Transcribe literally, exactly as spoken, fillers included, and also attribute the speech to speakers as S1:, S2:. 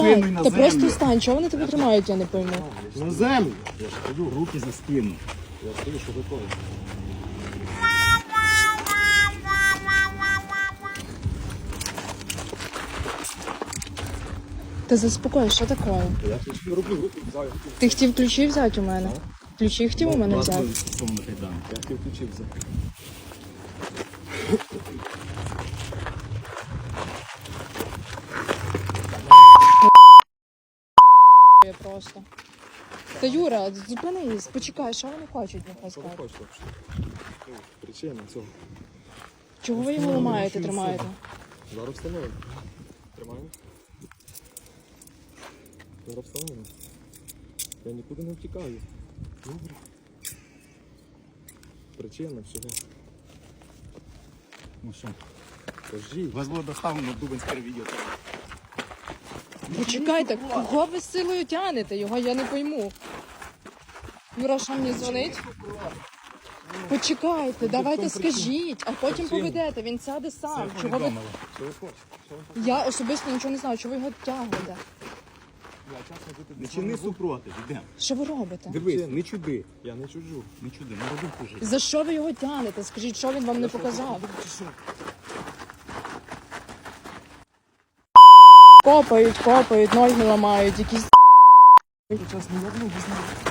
S1: Спиною на
S2: Та
S1: землю.
S2: просто стань, чого вони тебе тримають, я не пойму.
S1: На землю.
S3: Я ж кажу, руки за спину.
S1: Я стою, що готовий.
S2: Та заспокой, що таке?
S1: Я ключі роблю, руки взяв.
S2: Ти хотів ключі взяти у мене? Ключі хотів у мене взяти?
S1: Я хотів ключі взяти.
S2: Я просто. Та Юра, зупинись, почекай, що вони хочуть, нехай
S1: Що ви
S2: скажуть.
S1: хочете взагалі? Причина цього.
S2: Чого ви його ламаєте, тримаєте?
S1: Зараз встановимо. Тримаємо. Зараз встановимо. Я нікуди не втікаю. Добре. Причина всього.
S3: Ну що,
S1: Кажіть.
S3: вас було доставлено в Дубинське відео.
S2: Почекайте, кого ви з силою тянете? Його я не пойму. Юра, що мені дзвонить? Почекайте, давайте скажіть, а потім поведете, він сяде сам. Чого ви...
S1: Що ви хочете? Що ви хочете?
S2: Я особисто нічого не знаю, чого ви його тягнете.
S1: Я чесно бути
S3: Не чини супротив, йдемо.
S2: Що ви робите?
S3: Дивись, не чуди.
S1: Я не чужу.
S3: Не чуди, не роби хуже.
S2: За що ви його тягнете? Скажіть, що він вам не показав? Копають, копають, ноги ламають, якісь...
S1: Час не одну, без